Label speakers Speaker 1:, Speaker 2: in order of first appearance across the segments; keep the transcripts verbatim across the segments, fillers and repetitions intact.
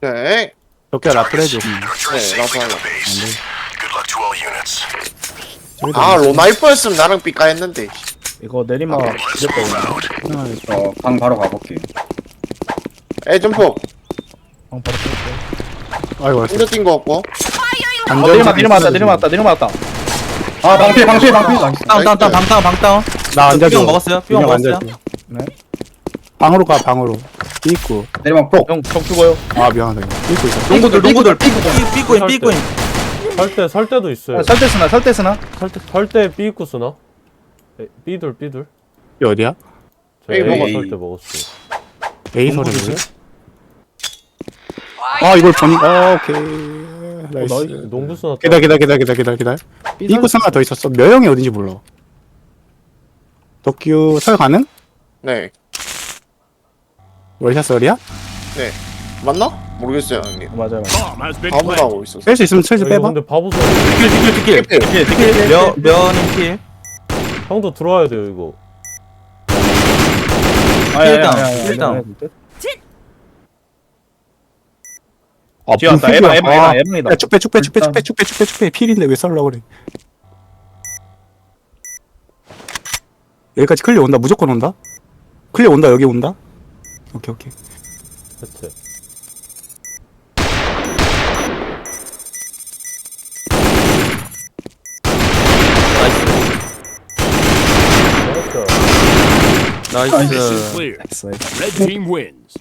Speaker 1: 네.
Speaker 2: 덕기야 라플 해줘.
Speaker 1: 네, 나도 하려.
Speaker 2: 저기도
Speaker 1: 아,
Speaker 2: 안 돼.
Speaker 1: 로나이퍼였으면 나랑 삐까 했는데.
Speaker 3: 이거 내리막 무조건
Speaker 4: 저 방 바로 가볼게.
Speaker 1: 에, 점프.
Speaker 3: 방 바로 뺄게.
Speaker 2: 아이고
Speaker 1: 혼자 뛴 거 없고.
Speaker 3: 어 내리막 내리막왔다 내리막왔다 내리막왔다.
Speaker 4: 아 방패 방패 방패 나이스.
Speaker 5: 다운 다운 다운 방 다운 방 다운.
Speaker 2: 나 앉아줘.
Speaker 5: 삐용 먹었어요? 삐용
Speaker 2: 그냥
Speaker 5: 먹었어요?
Speaker 2: 앉아줘.
Speaker 3: 네.
Speaker 2: 방으로 가 방으로. 삐있고.
Speaker 4: 내리막 폭.
Speaker 3: 형적 죽어요.
Speaker 2: 아 미안하다. 이거. 삐있고 있어.
Speaker 5: 농구들 농구들 삐 삐꾸인 삐꾸인.
Speaker 6: 설때 설 때도 있어요.
Speaker 3: 아, 설대 쓰나 설대 쓰나?
Speaker 6: 설때 설때 B 입구 쓰나? 에, B둘 B둘.
Speaker 2: 이 어디야?
Speaker 6: 저
Speaker 1: A
Speaker 6: A
Speaker 1: 먹었-
Speaker 6: 설때 먹었어요.
Speaker 2: A
Speaker 6: 농구
Speaker 2: 소리를.
Speaker 6: 조심.
Speaker 2: 아 이걸 보니. 어 오케이.
Speaker 6: 어,
Speaker 2: 나이스.
Speaker 6: 나이 농구 쓰나?
Speaker 2: 기다 기다 기다 기다 기다 기다. 삐고 하나 더 있었어. 묘형이 어딘지 몰라. 덕규 설 가능?
Speaker 1: 네.
Speaker 2: 월샷 설이야?
Speaker 1: 네. 맞나? 모르겠어요, 형님.
Speaker 3: 맞아요.
Speaker 1: 바보가 하고 있었어.
Speaker 2: 뺄 수 있으면 슬슬
Speaker 6: 이거
Speaker 2: 빼봐.
Speaker 6: 근데 바보 소리.
Speaker 5: 딜 딜 딜 딜.
Speaker 1: 삐
Speaker 5: 몇 면인 킬.
Speaker 6: 형도 들어와야 돼요 이거.
Speaker 5: 일단, 일단.
Speaker 2: 아,
Speaker 3: 지웠다.
Speaker 2: 분필이야.
Speaker 3: 에바 에바
Speaker 2: 아,
Speaker 3: 에바 에바이다.
Speaker 2: 야, 쭉빼 쭉빼 쭉빼 쭉빼 쭉빼 쭉빼 쭉빼 필인데 왜 썰라 그래? 여기까지 클리어 온다. 무조건 온다. 클리어 온다. 여기 온다. 오케이 오케이.
Speaker 6: 세트. 나이스.
Speaker 5: 나이스.
Speaker 7: Clear.
Speaker 2: 나이스.
Speaker 7: Red team wins.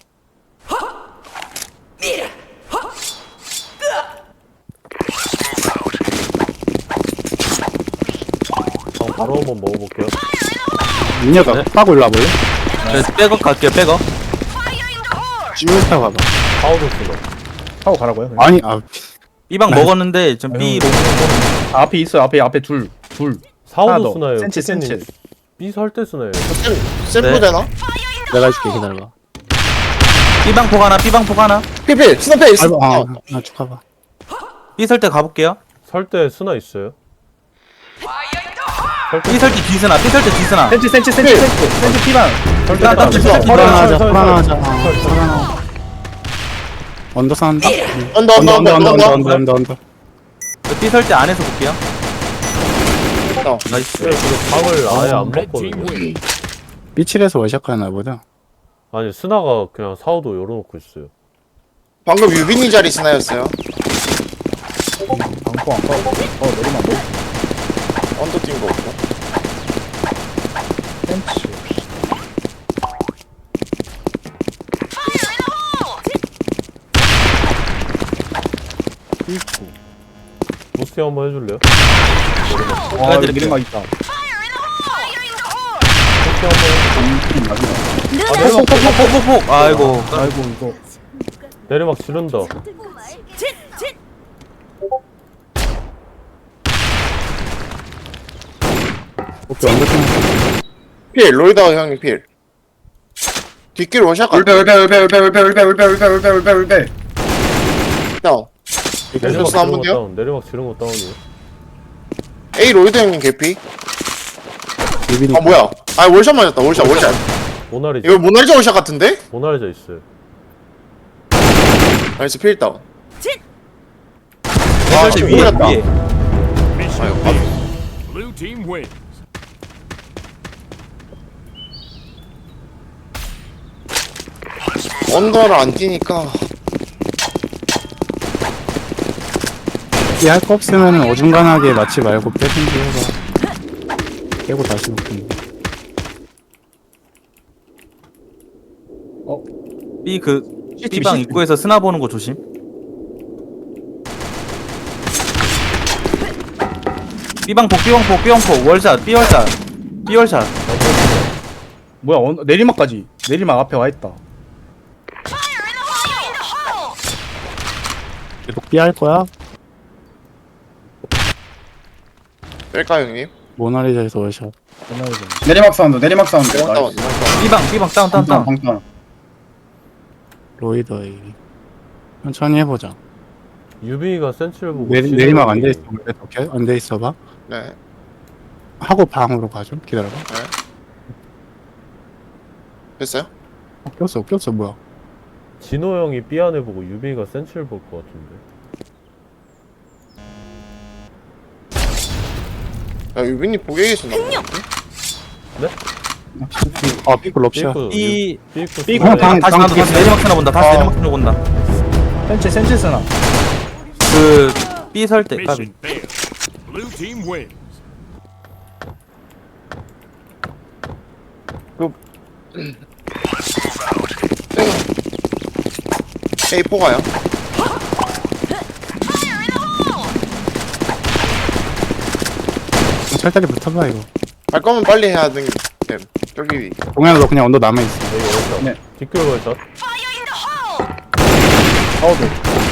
Speaker 6: 방 바로 한번 먹어볼게요.
Speaker 2: 민혁아
Speaker 5: 네.
Speaker 2: 빠고 일로 와볼래?
Speaker 5: 네, 백업 갈게요 백업.
Speaker 2: 쭉 타고 가봐.
Speaker 6: 파우더 쓰나?
Speaker 3: 하고 가라고요. 그냥.
Speaker 2: 아니 아
Speaker 5: B방
Speaker 2: 네.
Speaker 5: 먹었는데 좀 B 로.
Speaker 3: 아, 앞에 있어요. 앞에 앞에 둘 둘. 하나
Speaker 6: 사우더
Speaker 3: 더.
Speaker 6: 쓰나요?
Speaker 3: 센치,
Speaker 6: 피디님.
Speaker 3: 센치.
Speaker 6: B 설때 쓰나요?
Speaker 1: 샘- 샘프
Speaker 5: 네.
Speaker 1: 되나?
Speaker 2: 내가 해줄게 기다려봐.
Speaker 5: B방 폭 하나 B방 폭 하나.
Speaker 1: 피피, 스나페 있어.
Speaker 2: 아이고
Speaker 1: 어.
Speaker 2: 아쭉 가봐.
Speaker 5: B 설 때 가볼게요.
Speaker 6: 설때 쓰나 있어요?
Speaker 5: B 설 때 뒤스나 B 설 때 뒤스나.
Speaker 3: 센치 센치 센치 센치 센치 피반.
Speaker 5: 일단 딱
Speaker 6: 설,
Speaker 5: B 설 때
Speaker 6: 설,
Speaker 2: 불안하자
Speaker 6: 설, 설,
Speaker 2: 불안하자.
Speaker 6: 설, 설, 설.
Speaker 2: 불안하. 언더 산다.
Speaker 1: 언더, 언더, 언더, 언더, 언더.
Speaker 2: 언더 언더 언더.
Speaker 5: B 설 때 안에서 볼게요.
Speaker 1: 어.
Speaker 5: 나이스.
Speaker 6: 네, 지금 방을 아예 안
Speaker 7: Red team
Speaker 6: 먹거든요.
Speaker 7: wins.
Speaker 2: 삐칠에서 월샷 가나 보다.
Speaker 6: 아니 스나가 그냥 사우도 열어놓고 있어요.
Speaker 1: 방금 유빈이 자리 스나였어요.
Speaker 3: 방포 안 가고. 어 내리막 뭐?
Speaker 1: 언더 뛴 거 없고.
Speaker 3: 센치.
Speaker 6: 부스팅 한번 해줄래요?
Speaker 3: 아 여기 내리막 있다.
Speaker 6: 부스팅 한번 해. 아 내리막
Speaker 5: 폭폭폭폭폭. 아이고.
Speaker 3: 아이고 이거.
Speaker 6: 내리막 지른다.
Speaker 2: 오케이 언더 팀.
Speaker 1: 필, 로이더 형님 필. 뒷길 원샷
Speaker 4: 울배
Speaker 1: 같다.
Speaker 4: 울배 울배 울배 울배 울배 울배 울배 울배 울배.
Speaker 1: 다운.
Speaker 6: 내리막
Speaker 1: 한
Speaker 6: 지른 거
Speaker 1: 번요?
Speaker 6: 다운. 내리막 지른 거 다운이에요.
Speaker 1: A 로이더 형님 개피.
Speaker 2: 유빈이.
Speaker 1: 아 뭐야? 아 월샷 맞았다. 월샷, 월샷.
Speaker 6: 모나리자.
Speaker 1: 이거 모나리자 월샷 같은데?
Speaker 6: 모나리자 있어요.
Speaker 1: 나이스 필 다운.
Speaker 5: B 설 때 위에
Speaker 1: 몰랐다.
Speaker 5: 위에.
Speaker 7: Mission failed. Blue team wins.
Speaker 1: 언더를 안 뛰니까.
Speaker 2: 할 거 없으면 어중간하게 맞지 말고 빼든지 해봐. 깨고 다시 먹든지.
Speaker 5: B 그 B방 입구에서 스나 보는 거 조심. B방 폭 B방 폭 B방 폭 월샷 B 월샷 B 월샷.
Speaker 3: 뭐야 어, 내리막까지. 내리막 앞에 와 있다.
Speaker 2: 계속 삐할 거야?
Speaker 1: 뺄까 형님?
Speaker 2: 모나리자에서 월샷.
Speaker 4: 내리막 사운드 내리막 사운드.
Speaker 1: 다운, 다운.
Speaker 5: B방 B방 다운 다운 다운.
Speaker 4: 방탄.
Speaker 2: 로이더 A. 천천히 해보자.
Speaker 6: 유빈이가 센치를 보고
Speaker 2: 내리,
Speaker 6: 지르는
Speaker 2: 내리막 안
Speaker 6: 게
Speaker 2: 돼 있어. 오케이? 안 돼 있어봐.
Speaker 1: 네.
Speaker 2: 하고 방으로 가죠. 기다려봐.
Speaker 1: 됐어요?
Speaker 2: 어, 꼈어, 꼈어, 뭐야.
Speaker 6: 진호 형이 B 안에 보고 유빈이가 센치를 볼 것 같은데.
Speaker 1: 야 유빈이 보게 계시나?
Speaker 2: 아 삐꾸 럽샷.
Speaker 5: 이
Speaker 6: 삐꾸
Speaker 3: 삐꾸
Speaker 6: 삐꾸
Speaker 2: 방-
Speaker 5: 다시
Speaker 2: 방-
Speaker 5: 나도 다시 내리막 쓰나 본다. 다시
Speaker 2: 어.
Speaker 5: 내리막 쓰나 본다.
Speaker 3: 센치 센치 쓰나.
Speaker 5: 그 B 설 때 까비.
Speaker 7: Mission failed. Blue team wins.
Speaker 1: A 포가요?
Speaker 2: 철다리 붙어봐 이거.
Speaker 1: 갈 거면 빨리 해야 돼. 네, 저기
Speaker 2: 동현아 너 그냥 언더 남아 있어.
Speaker 6: A 월샷.
Speaker 4: 네.
Speaker 6: 뒷글 월샷.
Speaker 3: 아우도.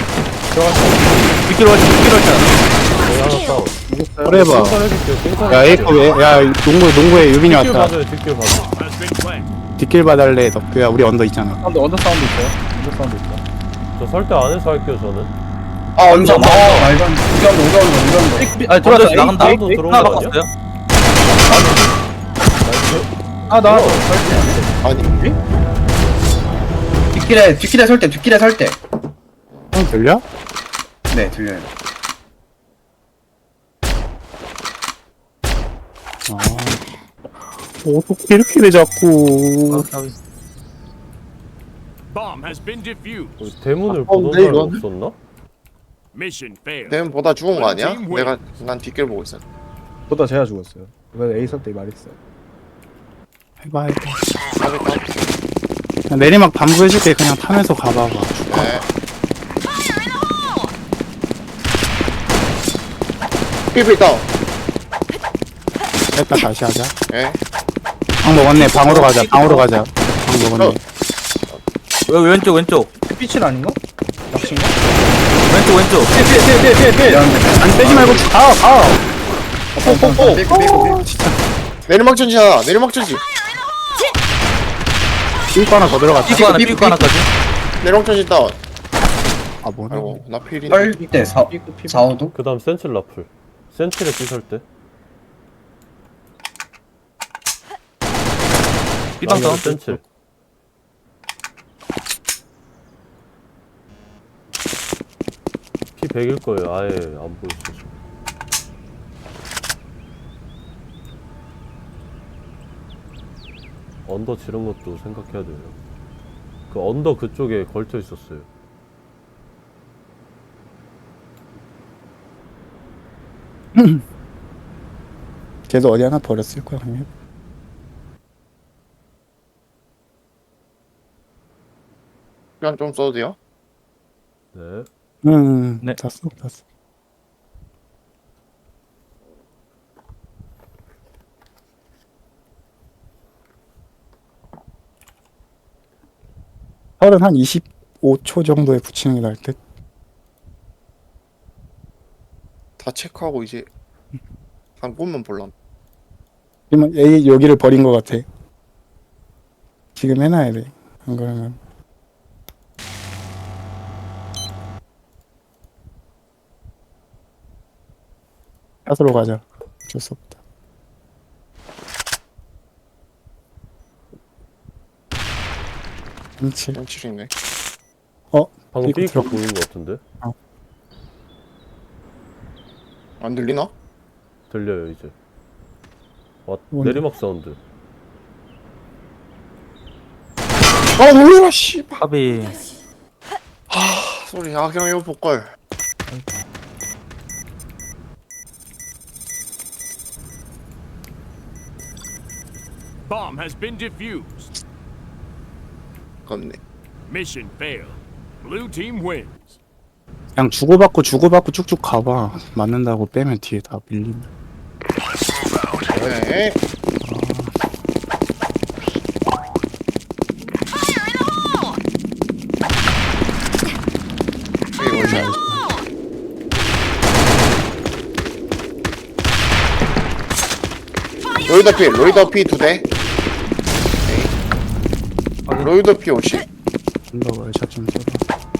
Speaker 5: 빗길 월차 빗길 월차.
Speaker 6: A 하나 다운.
Speaker 2: 그래 봐.
Speaker 6: 칭찬 해줄게요. 칭찬
Speaker 2: 야 에이커 왜? 야 농구 농구에 유빈이
Speaker 6: 뒷길
Speaker 2: 왔다.
Speaker 6: 봐줘요. 뒷길 봐줘.
Speaker 7: Has been planted.
Speaker 2: 뒷길 봐달래 덕규야. 우리 언더 있잖아.
Speaker 3: 사운드 언더 사운드 있어요. 언더 사운드 있어.
Speaker 6: 저 설대 안에서 할게요 저는.
Speaker 4: 아 언제? 아 말도 안 돼. 우리 언더 우리 언더 우리 언더.
Speaker 3: 삐- 삐- 아니
Speaker 5: 들어왔어
Speaker 3: 들어왔어.
Speaker 5: 나간다.
Speaker 6: 에이, 에이, 들어온
Speaker 5: 하나
Speaker 6: 거 아니야?
Speaker 5: 바꿨어요.
Speaker 3: 아 나.
Speaker 1: 아니
Speaker 4: 뒷길에 뒷길에 설 때 뒷길에 설 때.
Speaker 2: 형 들려?
Speaker 4: 네 들려요.
Speaker 2: 아. 어떻게 이렇게 돼 자꾸.
Speaker 7: Bomb has been defused.
Speaker 6: 우리 대문을
Speaker 1: 아,
Speaker 6: 보던
Speaker 1: 근데
Speaker 6: 사람
Speaker 1: 이건-
Speaker 6: 없었나?
Speaker 7: Mission failed.
Speaker 1: 대문 보다 죽은 거 아니야?
Speaker 7: Blue team
Speaker 1: 내가
Speaker 7: wins.
Speaker 1: 난 뒷길 보고 있어.
Speaker 3: 보다 제가 죽었어요. 이번에 A 설때 말했어요.
Speaker 2: 해봐 해봐.
Speaker 1: 까비 까비.
Speaker 2: 그냥 내리막 반부해줄게. 그냥 타면서 가봐봐.
Speaker 1: 네. 삐삐 다운.
Speaker 2: 됐다 다시 하자.
Speaker 1: 예.
Speaker 2: 방 먹었네. 방으로 가자. 방으로 가자. 방 먹었네.
Speaker 5: 여기 왼쪽 왼쪽
Speaker 3: 삐칠 아닌가? 낚시인가?
Speaker 5: 왼쪽 왼쪽.
Speaker 3: 삐삐삐삐삐.
Speaker 2: 아니 빼지 말고 가 가.
Speaker 4: 뽀뽀뽀. 삐꾸 삐꾸 삐꾸.
Speaker 1: 내리막 전지야. 내리막 전지.
Speaker 2: 삐꾸 하나 더 들어갔다.
Speaker 5: 삐꾸 하나
Speaker 4: 삐꾸,
Speaker 5: 삐꾸 하나까지.
Speaker 1: 내리막 전지 다운.
Speaker 2: 아 뭐냐?
Speaker 1: 아이고 나 필이네.
Speaker 4: 설때 사
Speaker 3: 삐꾸 삐꾸.
Speaker 4: 사오도.
Speaker 6: 그 다음 센칠 라플. 센칠에 B 설대.
Speaker 5: 삐방 다운.
Speaker 6: 센칠. P 백일 거예요. 아예 안 보였어 지금. 언더 지른 것도 생각해야 돼요. 그 언더 그쪽에 걸쳐 있었어요.
Speaker 2: 걔도 어디 하나 버렸을 거야 그냥.
Speaker 1: 그냥 좀 써도 돼요?
Speaker 6: 네.
Speaker 2: 응.
Speaker 5: 네.
Speaker 2: 다 써, 다 써. 혈은 한 이십오 초 정도에 붙이는 게 나을 듯.
Speaker 1: 다 체크하고 이제 한 곳만 볼람.
Speaker 2: 그러면 A 여기를 버린 것 같아. 지금 해놔야 돼. 안 그러면. 샷으로 가자. 어쩔 수 없다. 그렇지.
Speaker 1: 현칠이네.
Speaker 6: 방금
Speaker 2: 삐꾸
Speaker 6: 삐
Speaker 2: 들어-
Speaker 6: 보인 것 같은데?
Speaker 1: 안 들리나?
Speaker 6: 들려요 이제. 와
Speaker 2: 뭔데?
Speaker 6: 내리막 사운드.
Speaker 1: 아 놀래라 씨발.
Speaker 5: 까비.
Speaker 1: 소리 아 그냥 이거 볼걸.
Speaker 7: Bomb has been defused.
Speaker 1: 겁네.
Speaker 7: Mission failed. Blue team wins.
Speaker 2: 그냥 주고받고 주고받고 쭉쭉 가봐. 맞는다고 빼면 뒤에 다 밀린다.
Speaker 1: 네. 이게 월샷. 로이더 피, 로이더 피 두 대. 오케이. 로이더 피 오십.
Speaker 2: 언더 월샷 좀 써봐.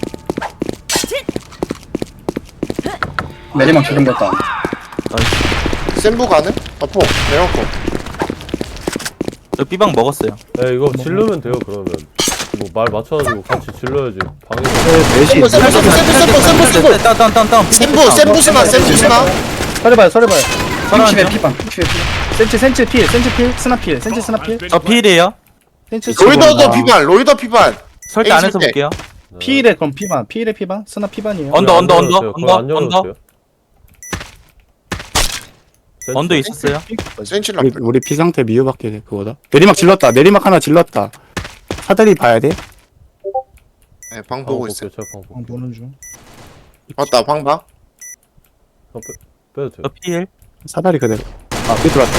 Speaker 4: 내리막 지금 됐다.
Speaker 1: 센부 가능? 어포, 내려놓고.
Speaker 5: 저 B방 먹었어요.
Speaker 6: 네 이거 질르면 돼요 그러면. 뭐 말 맞춰가지고 같이 질러야지. 방해.
Speaker 2: 넷이
Speaker 1: 샘프 샘프 샘프 샘프 샘프 샘프
Speaker 5: 다운다운다운
Speaker 1: 샘프 샘프 스나 샘프 스나
Speaker 3: 서려봐요 서려봐요.
Speaker 4: 피십에 피반 피십에 피반
Speaker 3: 센치 센치 필 센치 필 스나 필 센치 스나 필
Speaker 5: 저 필이에요.
Speaker 3: 센치
Speaker 1: 로이더도 피반 로이더 피반
Speaker 5: 설대 안에서
Speaker 1: 에이,
Speaker 5: 볼게요.
Speaker 3: 필에 그럼 피반 필에 피반 스나 피반이에요.
Speaker 5: 언더 언더
Speaker 6: 안
Speaker 5: 언더
Speaker 6: 열어줬어요. 그거 안
Speaker 5: 언더 언더
Speaker 6: 열어줬어요.
Speaker 5: 언더 있었어요.
Speaker 1: 센치라
Speaker 2: 우리, 우리 피 상태 미유밖에 돼 그거다. 내리막 질렀다. 내리막 하나 질렀다. 사다리 봐야 돼.
Speaker 1: 네, 방
Speaker 6: 방
Speaker 1: 보고
Speaker 6: 볼게요.
Speaker 1: 있어요
Speaker 6: 제가 방 볼게요.
Speaker 3: 방 보는 중.
Speaker 1: 맞다 방방
Speaker 6: 어, 빼, 빼도 돼요.
Speaker 5: 저 필.
Speaker 2: 사다리 그대로. 아, 삐 들어왔다.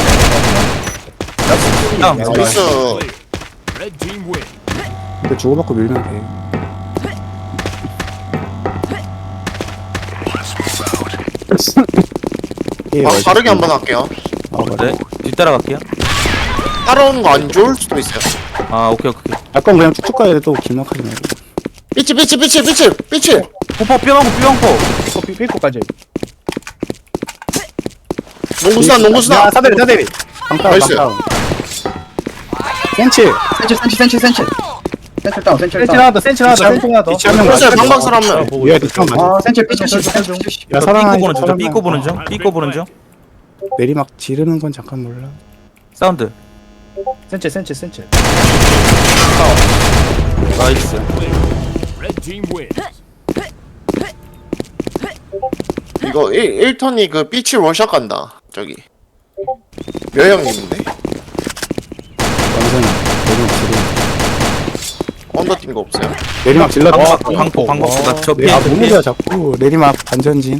Speaker 5: 다운.
Speaker 1: 나이스
Speaker 7: Red team win.
Speaker 2: 근데 주고받고 밀면 돼. 예,
Speaker 1: 방
Speaker 2: 맞아.
Speaker 1: 빠르게 한번 할게요
Speaker 2: 아, 맞아.
Speaker 5: 네. 뒤따라갈게요.
Speaker 1: 따라오는 거 안 좋을 수도 있어요
Speaker 5: 아 오케이 오케이.
Speaker 2: 약간 그냥 쭉쭉 가야 돼. 또 길막하지 말고.
Speaker 1: 삐치 삐치 삐치 삐치 삐치
Speaker 5: 포포 뿅하고 뿅포.
Speaker 3: 삐꼬 삐- 삐꼬까지.
Speaker 1: 농구스나 농구스나
Speaker 3: 야 사다리 사다리.
Speaker 2: 방다운,
Speaker 1: 나이스.
Speaker 2: 방다운. 센치.
Speaker 4: 센치 센치 센치 센치 센치 다운 센치
Speaker 3: 센치
Speaker 4: 다운
Speaker 3: 하나 더 센치 하나 더
Speaker 2: 뒤치
Speaker 3: 센치 하나 더.
Speaker 2: 뒤치 한명
Speaker 1: 보세요
Speaker 2: 맞아.
Speaker 1: 방방설
Speaker 6: 아,
Speaker 1: 한명
Speaker 6: 보고
Speaker 2: 얘
Speaker 6: 있어요.
Speaker 2: 뒤치 맞아.
Speaker 4: 아 센치 삐치 삐치 삐치 삐치
Speaker 2: 야,
Speaker 5: 저
Speaker 2: 사랑아.
Speaker 5: 삐꼬 보는 중. 저
Speaker 2: 사랑아.
Speaker 5: 삐꼬 보는 중. 삐꼬 보는 중.
Speaker 2: 내리막 지르는 건 잠깐 몰라.
Speaker 5: 사운드.
Speaker 3: 센치 센치 센치.
Speaker 5: 나이스.
Speaker 7: Red team wins.
Speaker 1: 이거 일 턴이 그 삐치 원샷 간다 저기 묘형님인데
Speaker 2: 완전 내리막 지르.
Speaker 1: 언더 뛴 거 없어요
Speaker 2: 내리막 질렀다.
Speaker 5: 방폭 방폭 방폭. 저 필.
Speaker 2: 아,
Speaker 5: 저
Speaker 2: 너무
Speaker 5: 필.
Speaker 2: 좋아 자꾸. 내리막 반전진.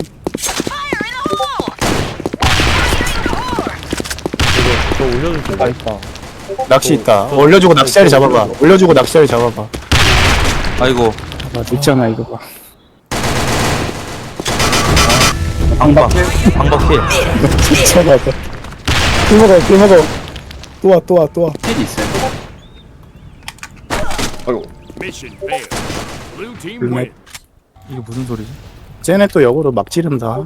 Speaker 6: 이거 저 올려주세요.
Speaker 3: 다 있다.
Speaker 2: 낚시 있다.
Speaker 6: 저-
Speaker 2: 올려주고
Speaker 6: 저-
Speaker 2: 낚시자리
Speaker 6: 저-
Speaker 2: 잡아봐. 올려주고 낚시자리 잡아봐.
Speaker 5: 아이고.
Speaker 2: 아, 늦잖아 이거 봐.
Speaker 5: 방박. 방박 필.
Speaker 2: 미쳐봐. 또 먹어, 또 먹어. 또 와, 또 와, 또 와.
Speaker 4: 필이 있어요
Speaker 1: 아이고
Speaker 7: Mission failed. Blue team
Speaker 2: Good
Speaker 7: win.
Speaker 5: 이게 무슨 소리지?
Speaker 2: 쟤네 또 역으로 막 지른다.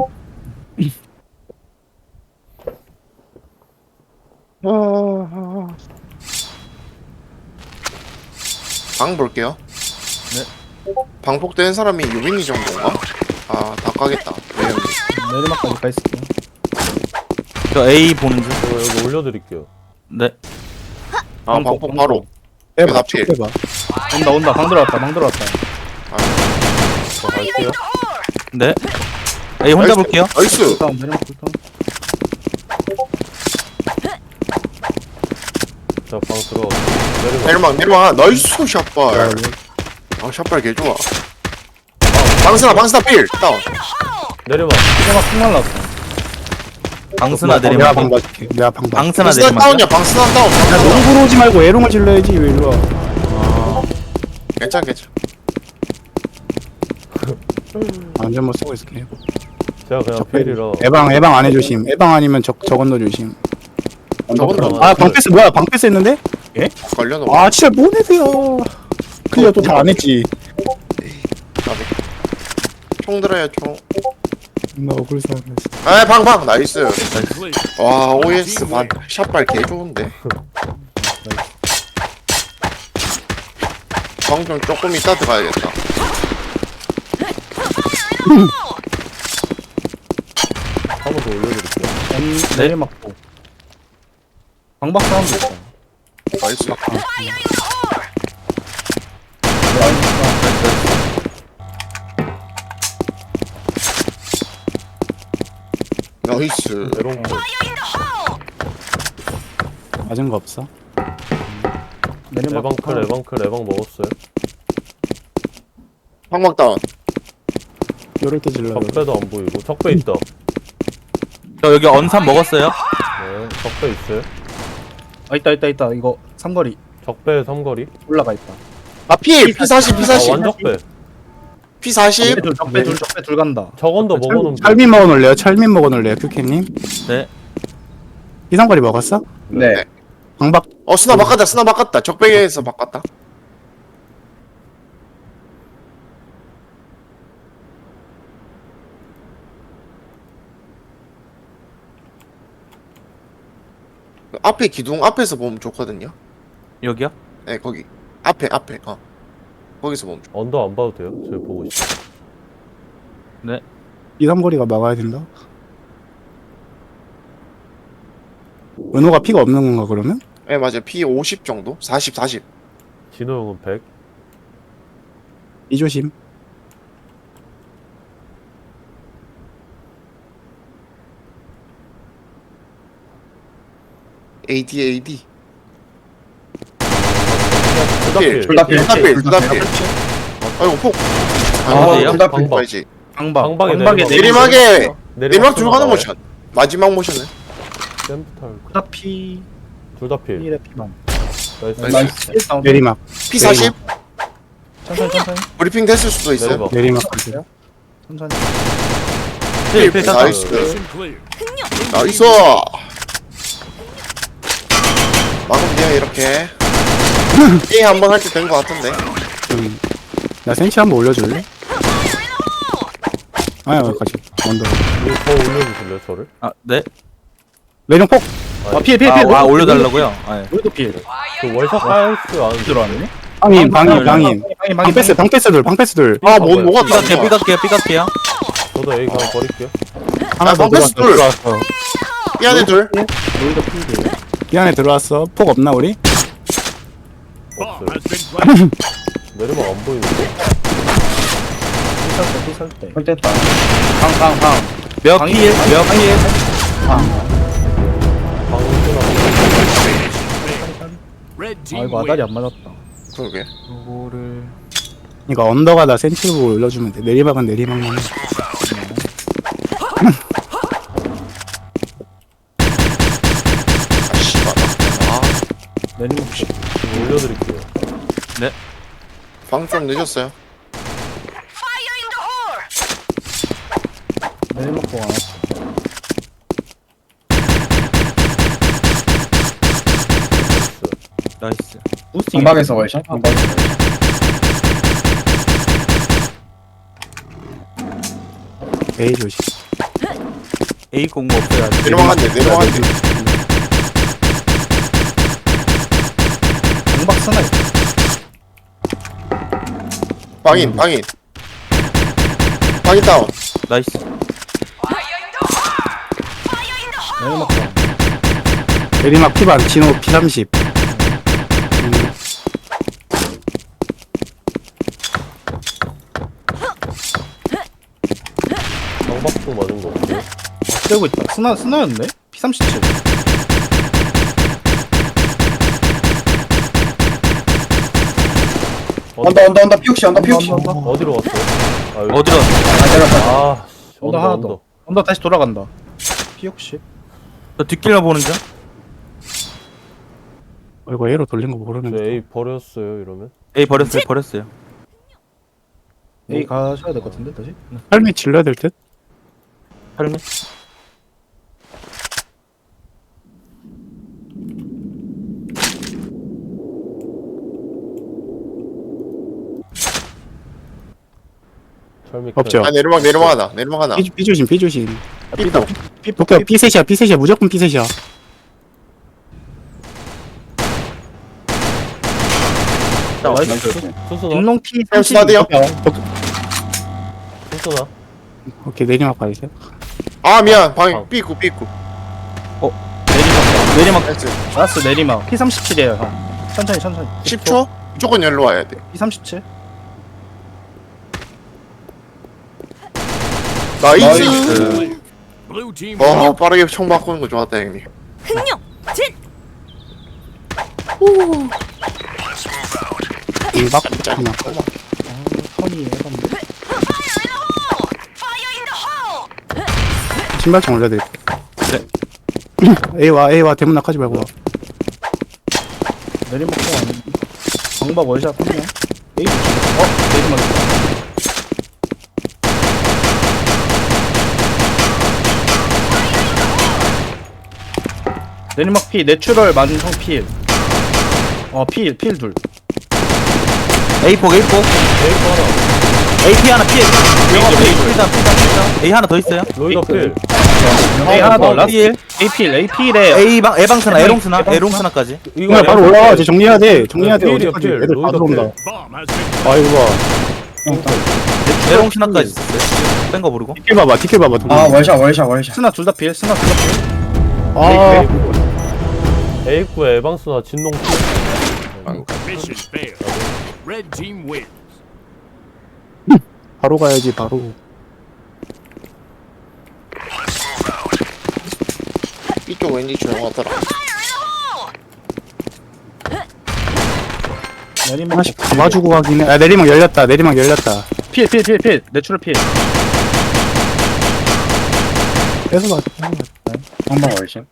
Speaker 1: 방 볼게요 네 방폭된 사람이 유빈이 정도인가? 아다 까겠다 묘형님
Speaker 3: 내리막까지 가 있을게요.
Speaker 5: 저 A 보는 중.
Speaker 6: 이거 여기 올려드릴게요.
Speaker 5: 네.
Speaker 1: 아 방폭 바로
Speaker 2: 빼봐,
Speaker 1: 나
Speaker 2: 쭉
Speaker 1: 필.
Speaker 2: 빼봐.
Speaker 3: 온다 온다 방 들어왔다 방 들어왔다.
Speaker 6: 저 갈게요.
Speaker 5: 네. A 혼자 볼게요.
Speaker 1: 나이스
Speaker 3: 다운 내리막 불
Speaker 6: 자, 방 들어. 내려가.
Speaker 1: 내리막 내리막 나이스 샷발 아 샷발 개좋아 아, 방스나 방스나 필 다운
Speaker 6: 내려봐.
Speaker 3: 내리막 푹 날라왔어.
Speaker 5: 방스나
Speaker 2: 내가
Speaker 5: 내리막.
Speaker 2: 방 봐줄게. 내가 방 봐.
Speaker 5: 방스나
Speaker 1: 방스나
Speaker 5: 내리막.
Speaker 1: 다운이야 방스나 다운
Speaker 2: 야,
Speaker 1: 방스나 다운.
Speaker 2: 농구로 오지 말고 에롱을 질러야지. 왜 일로 와?
Speaker 1: 괜찮 괜찮
Speaker 2: 안전 뭐 쓰고 있을게.
Speaker 6: 제가 그냥
Speaker 2: 적배.
Speaker 6: 필이라.
Speaker 2: 에방, 에방 안해 조심. 에방 아니면 적, 저건너 조심.
Speaker 1: 저건
Speaker 2: 아, 방패스 뭐야? 방패스 했는데?
Speaker 1: 걸려놓은
Speaker 2: 아, 진짜 뭔 애들야. 클리어 또 다 안 했지.
Speaker 1: 총 들어요 총
Speaker 2: 나 억울 사람.
Speaker 1: 아 방방 나이스
Speaker 7: Clear.
Speaker 1: 와 오에스 반 샷발 개 좋은데 방 좀 조금 이따 들어가야겠다
Speaker 6: 한 번 더 올려드릴게요.
Speaker 3: 원 내리막 보. 방박 사운드 있다.
Speaker 1: 나이스 나이스
Speaker 6: 에롱 뭐.
Speaker 2: 맞은 거 없어?
Speaker 3: 내리막
Speaker 6: 에방 클, 에방 클, 에방 먹었어요.
Speaker 1: 방방 다운
Speaker 2: 요럴 때 질러.
Speaker 6: 적배도 안 보이고. 적배 있다.
Speaker 5: 저 여기 언삼 먹었어요.
Speaker 6: 네, 적배 있어요.
Speaker 3: 아 있다 있다 있다 이거 삼거리
Speaker 6: 적배 삼거리.
Speaker 3: 올라가 있다.
Speaker 1: 아필 피사십
Speaker 6: 아,
Speaker 1: 피사십
Speaker 6: 완적배.
Speaker 1: 피사십
Speaker 3: 적배 둘 적배 둘 적배 둘 간다.
Speaker 6: 저건도 먹어놓으면 돼.
Speaker 2: 철민 먹어놓을래요? 철민 먹어놓을래요? 큐캐님?
Speaker 5: 네.
Speaker 2: 이상거리 먹었어?
Speaker 4: 네
Speaker 2: 방박
Speaker 1: 어 스나 바꿨다 스나 바꿨다 적배에서 바꿨다 앞에 기둥 앞에서 보면 좋거든요
Speaker 5: 여기요?
Speaker 1: 네 거기 앞에 앞에 어 거기서 멈춰.
Speaker 6: 언더 안 봐도 돼요? 저희 보고 있어.
Speaker 2: 이삼거리가 막아야 된다. 은호가 피가 없는 건가 그러면?
Speaker 1: 예, 맞아요. 피 오십 정도? 사십, 사십.
Speaker 6: 진호 형은 백.
Speaker 2: 이 조심.
Speaker 1: 에이디, 에이디.
Speaker 6: 둘다필.
Speaker 4: 둘다 필.
Speaker 1: 둘다 필, 둘다 필. 아이고, 폭.
Speaker 5: 아,
Speaker 1: 아이고,
Speaker 4: 둘다 필.
Speaker 6: 방방.
Speaker 1: 봐야지.
Speaker 3: 방방.
Speaker 6: 방방에
Speaker 3: 방방에
Speaker 6: 내리막.
Speaker 1: 내리막에, 내리막
Speaker 6: 들어가나요?
Speaker 1: 들어가는 모션. 마지막 모션은?
Speaker 6: 샘부터 할까?
Speaker 3: 둘다 피.
Speaker 6: 둘다 필.
Speaker 3: 필에 피방.
Speaker 6: 나이스.
Speaker 4: 나이스.
Speaker 3: 일 다운.
Speaker 2: 내리막.
Speaker 1: 피 사십?
Speaker 3: 천천히 천천히
Speaker 1: 브리핑 됐을 수도 있어요.
Speaker 6: 내리막.
Speaker 2: 내리막 가세요.
Speaker 3: 천천히.
Speaker 5: 필, 필, 땄다.
Speaker 1: 나이스.
Speaker 7: Mission clear.
Speaker 1: 나이스. 막으면 돼요, 이렇게. 게임 한번 할 때 된 것 같은데.
Speaker 2: 음. 나 센치 한번 올려줄래? 아야 여기까지. 먼저.
Speaker 6: 이거 더 올려주실래요, 저를?
Speaker 5: 아, 네.
Speaker 2: 내령 폭.
Speaker 3: 아, 필, 필,
Speaker 5: 아,
Speaker 3: 필.
Speaker 5: 아 올려달라고요? 아, 예.
Speaker 3: 우리도 필.
Speaker 6: 그 월샷 깔수 안
Speaker 3: 들어왔네.
Speaker 2: 방인
Speaker 3: 방,
Speaker 2: 방인
Speaker 3: 방,
Speaker 2: 방인.
Speaker 3: 방인, 방인,
Speaker 2: 방패스 방패스 둘 방패스 둘.
Speaker 1: 아, 뭐, 뭐가
Speaker 5: 삐각해요,
Speaker 1: 땄어?
Speaker 5: 삐각해요, 삐각해요.
Speaker 6: 저도 A 그냥 버릴게요.
Speaker 2: 하나
Speaker 1: 아,
Speaker 2: 더
Speaker 1: 방패스
Speaker 2: 들어왔어.
Speaker 1: 둘.
Speaker 2: 들어왔어.
Speaker 1: 이 안에 둘.
Speaker 3: 우리도 필이에요.
Speaker 2: 이 안에 들어왔어. 폭 없나 우리?
Speaker 7: Bomb has been planted.
Speaker 6: 내리막 안 보이는데?
Speaker 3: 피살 때, 피살 때.
Speaker 4: 설됐다.
Speaker 3: 방, 방, 방.
Speaker 5: 몇
Speaker 3: 방이-
Speaker 5: 필, 몇 필.
Speaker 6: 방금
Speaker 7: Red
Speaker 3: 아,
Speaker 7: team
Speaker 3: 이거 아다리
Speaker 7: wins.
Speaker 3: 안 맞았다.
Speaker 1: 그러게.
Speaker 5: 요거를.
Speaker 2: 그러니까 언더가 나 센치 보고 올려주면 돼. 내리막은 내리막만 해.
Speaker 1: 아, 씨발. 아,
Speaker 3: 내리막 씨.
Speaker 6: 올려드릴게요.
Speaker 1: 방 좀 늦었어요.
Speaker 3: 내리막 보고 안 왔어.
Speaker 5: 나이스.
Speaker 3: 부스팅.
Speaker 4: 방방에서 월샷. 방방에서 월샷.
Speaker 2: A 조심.
Speaker 5: A 공부 없어야 돼.
Speaker 1: 내리막 한 대, 내리막 한 대.
Speaker 3: 방박 스나 있어.
Speaker 1: 방인, 방인. 방인 다운.
Speaker 5: 나이스.
Speaker 3: 내리막 봐.
Speaker 2: 내리막 피반 진호 피 삼십.
Speaker 6: 방박도 맞은 거 없어요?
Speaker 3: 떼고 있다. 스나, 스나였네? 피 삼십칠.
Speaker 6: 어디,
Speaker 4: 언더 언더 언더 피옥시 언더 피옥시.
Speaker 3: 언더, 언더.
Speaker 6: 어디로 갔어요? 아, 여기.
Speaker 5: 어디로?
Speaker 4: 아 내렸다.
Speaker 6: 아, 씨,
Speaker 3: 언더
Speaker 6: 언더,
Speaker 3: 하나
Speaker 6: 언더.
Speaker 3: 더. 언더 다시 돌아간다. 피 혹시?
Speaker 5: 저 뒷길만 보는 중?
Speaker 2: 어, 이거 A로 돌린 거
Speaker 6: 저
Speaker 2: 모르는데.
Speaker 6: A 버렸어요, 이러면?
Speaker 5: A 버렸어요, 버렸어요.
Speaker 3: A 가셔야 될 것 같은데, 다시?
Speaker 2: 할미 질러야 될 듯?
Speaker 5: 팔미?
Speaker 6: 철미
Speaker 2: 없죠.
Speaker 1: 아, 내리막, 내리막 하나. 내리막 하나.
Speaker 2: B, B 조심 B 조심.
Speaker 1: 삐도.
Speaker 2: 도쿄 B 셋이야 B 셋이야 무조건 B 셋이야.
Speaker 3: 자, 나이스.
Speaker 6: 수수나?
Speaker 3: 딩롱 P
Speaker 1: 형, 스나드요?
Speaker 6: 수수나?
Speaker 2: 오케이 내리막 봐주세요.
Speaker 1: 아, 미안. 방인.
Speaker 6: 방.
Speaker 1: 삐꾸, 삐꾸.
Speaker 3: 내리막, 내리막.
Speaker 1: 나이스.
Speaker 3: 라스 내리막. 피 삼십칠이에요, 형. 천천히, 천천히.
Speaker 1: 십 초? 무조건 열로 와야 돼.
Speaker 3: 피 삼십칠.
Speaker 1: 나이스.
Speaker 7: Blue team
Speaker 1: 와,
Speaker 7: wins.
Speaker 1: 빠르게 총 바꾸는 거 좋았다, 형님.
Speaker 2: 일박
Speaker 1: 진짜.
Speaker 2: 하나.
Speaker 3: 턴이 해봤네.
Speaker 2: 신발장 올려드릴게. 네. A와 A와 대문 낙하지 말고 와.
Speaker 3: 내리막 보고 안 방박 월샷 한 명. A 어? 내리막 있다. 내리막 P 내추럴 만성 필. 어 필 필 둘.
Speaker 5: A 폭, A 폭.
Speaker 6: A 하나.
Speaker 5: 에이피 하나 피해. 영화 피해. 피다 피다 피다. A 하나 더 있어요.
Speaker 6: 로이더 필.
Speaker 3: A 하나 더
Speaker 6: 어,
Speaker 3: 라스트.
Speaker 5: 필.
Speaker 3: A 필, A 필에
Speaker 5: A 방 에방 스나 에롱 스나
Speaker 3: 에방
Speaker 5: 에롱 스나까지.
Speaker 6: 이거
Speaker 2: 그냥 바로 올라와. 쟤 정리해야 돼. 정리해야 돼.
Speaker 6: 필이야,
Speaker 2: 어디까지.
Speaker 6: 필.
Speaker 2: 애들 다
Speaker 6: 로이더 필.
Speaker 2: 들어온다.
Speaker 7: Bomb has been
Speaker 2: 아이고 봐.
Speaker 5: 에롱 스나까지 있었어요. 뺀거 모르고.
Speaker 2: 티켓 봐봐. 티켓 봐봐.
Speaker 4: 아 월샷 월샷 월샷.
Speaker 3: 스나 둘 다 필, 스나 둘 다 필.
Speaker 2: 아,
Speaker 6: 에이쿠에 에방스나 진농 필.
Speaker 7: mission failed. Red team wins.
Speaker 2: 바로 가야지. 바로.
Speaker 1: 이쪽 왠지 조용하더라.
Speaker 3: 내리막
Speaker 2: 하나씩 잡아주고 가긴 해. 아, 내리막 열렸다. 내리막 열렸다.
Speaker 3: 필, 필, 필, 필. 내추럴 필.
Speaker 2: 뺏어 가.
Speaker 4: 한방 월샷.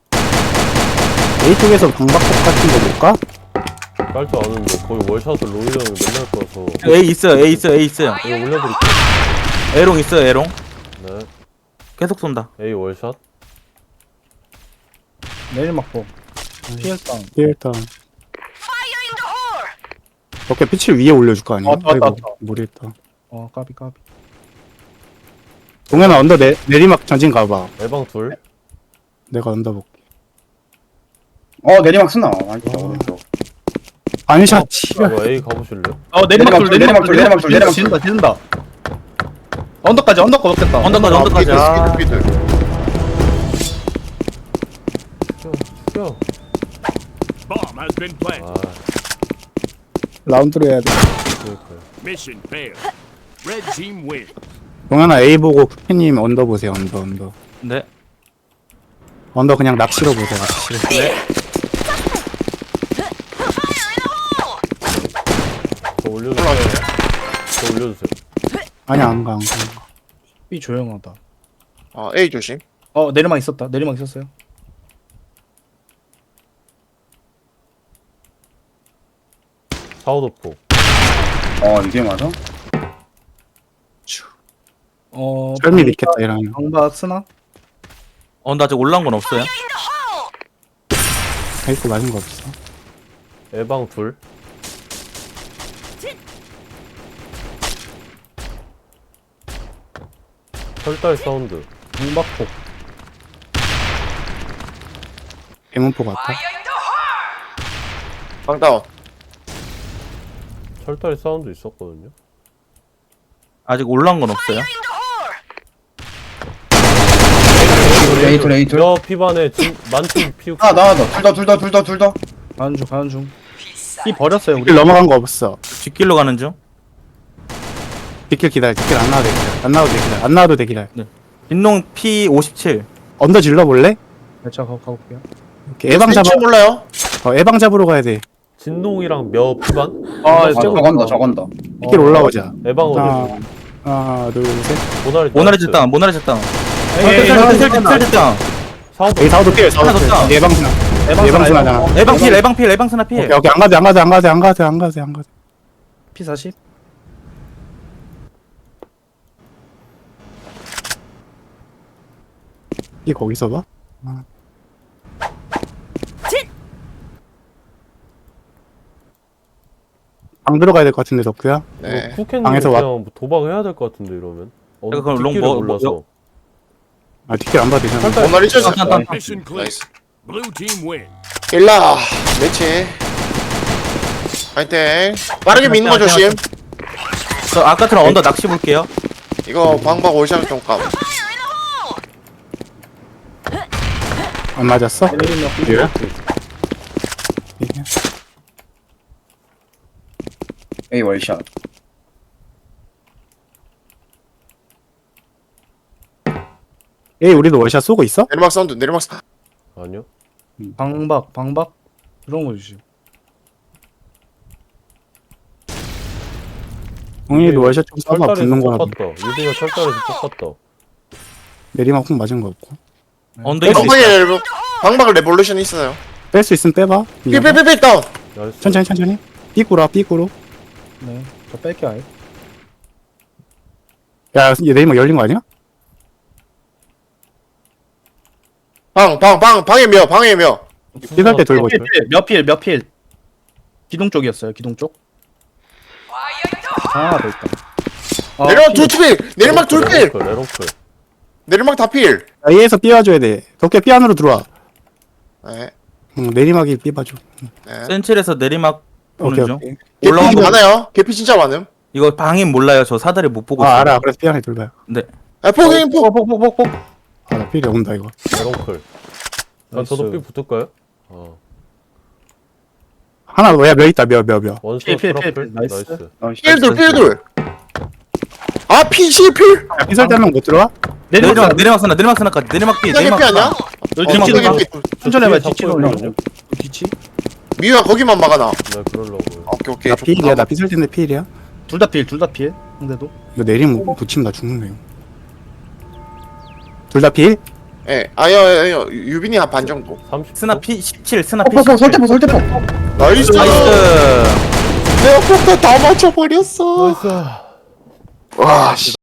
Speaker 2: A 쪽에서 방박법 같은 거 볼까?
Speaker 6: 깔 줄 아는데 거의 월샷을 로이 형이 맨날 꺼서
Speaker 5: A 있어요. A 있어요. A 있어요.
Speaker 6: 이거 올려드릴게요.
Speaker 5: 에롱 있어요. 에롱.
Speaker 6: 네.
Speaker 5: 계속 쏜다.
Speaker 6: A 월샷.
Speaker 3: 내리막 보. 피엘 다운.
Speaker 2: 일단. 어깨 pit을 위에 올려줄 거 아니야?
Speaker 3: 어, 왔다,
Speaker 2: 아이고,
Speaker 3: 왔다.
Speaker 2: 모르겠다.
Speaker 3: 어, 까비, 까비.
Speaker 2: 동현아 언더 내, 내리막 전진 가봐.
Speaker 6: 에방 둘.
Speaker 2: 내가 언더 볼게.
Speaker 4: 어 내리막 쓰나. 아니다 오른쪽.
Speaker 2: 반샷 치료.
Speaker 6: 이거 A 가보실래요?
Speaker 3: 어, 내리막 둘, 내리막 둘, 내리막 둘, 내리막 둘. 지른다, 지른다. 언더까지, 언더까지 없겠다.
Speaker 5: 언더까지 언더까지. 아.
Speaker 1: 스피드 스피드.
Speaker 6: 죽여. 죽여.
Speaker 7: Bomb has been planted.
Speaker 6: 아,
Speaker 2: 라운드로 해야 돼.
Speaker 6: 그러니까요.
Speaker 7: Mission failed. Red team wins.
Speaker 2: 동현아 A 보고 쿠키님 언더 보세요. 언더 언더.
Speaker 5: 네.
Speaker 2: 언더 그냥 낚시로 보세요. 낚시로.
Speaker 6: 저 올려주세요. 저 올려주세요.
Speaker 2: 아니 안 가, 안 가.
Speaker 3: B 조용하다.
Speaker 1: 아 A 조심.
Speaker 3: 어, 내리막 있었다. 내리막 있었어요.
Speaker 6: 사우더포.
Speaker 4: 어 이게 맞아?
Speaker 3: 어,
Speaker 2: 썰미 믿겠다 이러면.
Speaker 3: 방박 스나?
Speaker 5: 어, 나 아직 올라온 건 없어요.
Speaker 2: 페이스 맞은 거 없어.
Speaker 6: 에방 둘. 철달 사운드.
Speaker 3: 방박폭.
Speaker 2: 대문포 같아.
Speaker 1: 방다운.
Speaker 6: 철달 사운드 있었거든요.
Speaker 5: 아직 올라온 건 없어요.
Speaker 4: 에이툴 에이툴.
Speaker 6: 여 피반에 진 만팀 피우.
Speaker 4: 아 나와 둘다둘다둘다둘다.
Speaker 3: 가는 중, 가는 중. B 버렸어요, 우리.
Speaker 2: 길 넘어간 거 없어.
Speaker 5: 뒷길로 가는 중.
Speaker 2: 뒷길 기다려. 뒷길 안 나와도 돼. 기다려. 안 나와도 돼. 기다려. 안 나와도 돼. 기다려.
Speaker 5: 빈농 피 오십칠.
Speaker 2: 언더 질러 볼래?
Speaker 3: 네, 제가 가, 가볼게요.
Speaker 2: 이렇게 애방 잡아.
Speaker 1: 왠지 몰라요.
Speaker 2: 어, 애방 잡으러 가야 돼.
Speaker 6: 진농이랑 며 피반.
Speaker 3: 아,
Speaker 4: 아 저건다 저건다.
Speaker 2: 뒷길 올라오자.
Speaker 6: 에방
Speaker 2: 하나,
Speaker 6: 어디?
Speaker 2: 하나, 둘, 셋.
Speaker 6: 모나리.
Speaker 5: 모나리 쳤다. 모나리 쳤다.
Speaker 3: 에이, 에이, 에이,
Speaker 5: 셀셀셀셀
Speaker 6: 사우더.
Speaker 2: 에이 사우도 필. 사우도
Speaker 5: 하나
Speaker 2: 필.
Speaker 5: 더
Speaker 2: 예방 스나.
Speaker 3: 에방
Speaker 2: 예방
Speaker 3: 스나,
Speaker 2: 스나잖아.
Speaker 5: 에방 필 에방 필 에방 스나 필.
Speaker 2: 오케이, 오케이. 안 가도 안 가도 안 가도 안 가도 안 가도 안 가도.
Speaker 3: 피 사십.
Speaker 2: 이 거기서 봐? 방 들어가야 될 것 같은데 덕후야?
Speaker 1: 네.
Speaker 6: 쿠켄님
Speaker 2: 방에서
Speaker 6: 그냥
Speaker 2: 왔-
Speaker 6: 뭐 도박해야 될 것 같은데 이러면. 어,
Speaker 5: 그럼 롱
Speaker 6: 뒷길을
Speaker 5: 뭐-
Speaker 6: 몰라서.
Speaker 5: 뭐-
Speaker 2: 아 뒷길 안 봐도 되잖아.
Speaker 6: 철달.
Speaker 1: 오늘 이제
Speaker 5: 딴, 딴, 딴.
Speaker 7: Mission clear.
Speaker 1: 나이스.
Speaker 7: Blue team wins.
Speaker 1: 일라 매치. 파이팅. 빠르게 미는 거 조심.
Speaker 5: 저 아까처럼 언더 낚시 볼게요.
Speaker 1: 이거 방박 올샷 좀 까.
Speaker 2: 안 맞았어?
Speaker 3: 내리막 B.
Speaker 2: 예.
Speaker 4: A 월샷.
Speaker 2: 에이 우리도 월샷 쏘고 있어?
Speaker 1: 내리막 사운드 내리막 사.
Speaker 6: 아니요.
Speaker 3: 방박, 방박. 이런 거 주시오.
Speaker 2: 동일이도 월샷 좀 쏴봐
Speaker 6: 철달에서
Speaker 2: 붙는 거라.
Speaker 6: 똑같다. 유빈이가 철달에서 똑같다.
Speaker 2: 내리막 훅 맞은 거 없고.
Speaker 5: 언더 있어.
Speaker 1: 방박에 레보- 방박 레볼루션 있어요.
Speaker 2: 뺄 수 있으면 빼봐.
Speaker 1: 삐삐삐삐 다운.
Speaker 6: 나이스.
Speaker 2: 천천히 천천히. 삐꾸라 삐꾸로.
Speaker 3: 네. 저 뺄게요, 아예.
Speaker 2: 야, 얘 내리막 열린 거 아니야?
Speaker 1: 방 방 방 방에 며 방에 며.
Speaker 2: 삐살 때 돌고
Speaker 3: 필,
Speaker 2: 있어.
Speaker 3: 필, 몇 필, 몇 필. 기둥 쪽이었어요, 기둥 쪽. 하나 더 있다. 아,
Speaker 1: 내리막 둘필 내리막 둘필
Speaker 6: 레롱클 레롱클.
Speaker 1: 내리막 다필
Speaker 2: A에서 B 와줘야 돼. 덕계 B 안으로 들어와.
Speaker 1: 네,
Speaker 2: 응, 내리막이 B 봐줘.
Speaker 1: 네.
Speaker 5: 센칠에서 내리막 보는
Speaker 2: 오케이
Speaker 5: 중.
Speaker 2: 오케이.
Speaker 1: 개피
Speaker 5: 올라온 거-
Speaker 1: 많아요 개피 진짜 많음
Speaker 5: 이거 방임 몰라요. 저 사다리 못 보고
Speaker 2: 아
Speaker 5: 있어요.
Speaker 2: 알아. 그래서 B 안에 돌봐요.
Speaker 5: 네.
Speaker 1: 아 포기인 포
Speaker 3: 폭폭폭폭폭.
Speaker 2: 아, 나 필이 온다 이거.
Speaker 6: 레롱클. 아, 저도 삐 붙을까요? 어.
Speaker 2: 하나 뭐야 몇 있다 몇 몇 몇.
Speaker 6: 원샷
Speaker 3: 필, 필, 필,
Speaker 6: 트러플.
Speaker 3: 필. 나이스.
Speaker 6: 나이스.
Speaker 1: 필돌 필돌 아 필실필
Speaker 2: 야, B설 때한명 못 들어와?
Speaker 5: 내리막
Speaker 3: 내리막
Speaker 5: 내리막 쓰나 내리막 쓰나까지 내리막 삐
Speaker 1: 피자
Speaker 5: 내리막
Speaker 1: 개피 아니야?
Speaker 5: 쓰나.
Speaker 3: 너
Speaker 1: 어,
Speaker 3: 뒤치는
Speaker 1: 피자
Speaker 3: 거.
Speaker 1: 개피
Speaker 3: 천천히 해봐.
Speaker 6: 잡고
Speaker 3: 뒤치는
Speaker 6: 있거든요.
Speaker 3: 거. 뒤치.
Speaker 1: 미유야 거기만 막아놔
Speaker 6: 네, 그러려고요.
Speaker 1: 오케이 오케이
Speaker 2: 나 필이야. 나 B설 때인데 필이야.
Speaker 3: 둘 다 필, 둘 다 필. 근데도.
Speaker 2: 이거 내리면 붙이면 나 죽는다 이거. 둘 다 필?
Speaker 1: 예 아여 아여 유빈이 한 반 정도
Speaker 6: 삼십.
Speaker 5: 스나 피 십칠 스나 피
Speaker 3: 폭폭
Speaker 5: 십칠.
Speaker 3: 설대폭 설대폭.
Speaker 1: 나이스
Speaker 5: 나이스.
Speaker 1: 내가 폭탄 다 맞춰버렸어
Speaker 6: 나이스.
Speaker 1: 와 씨.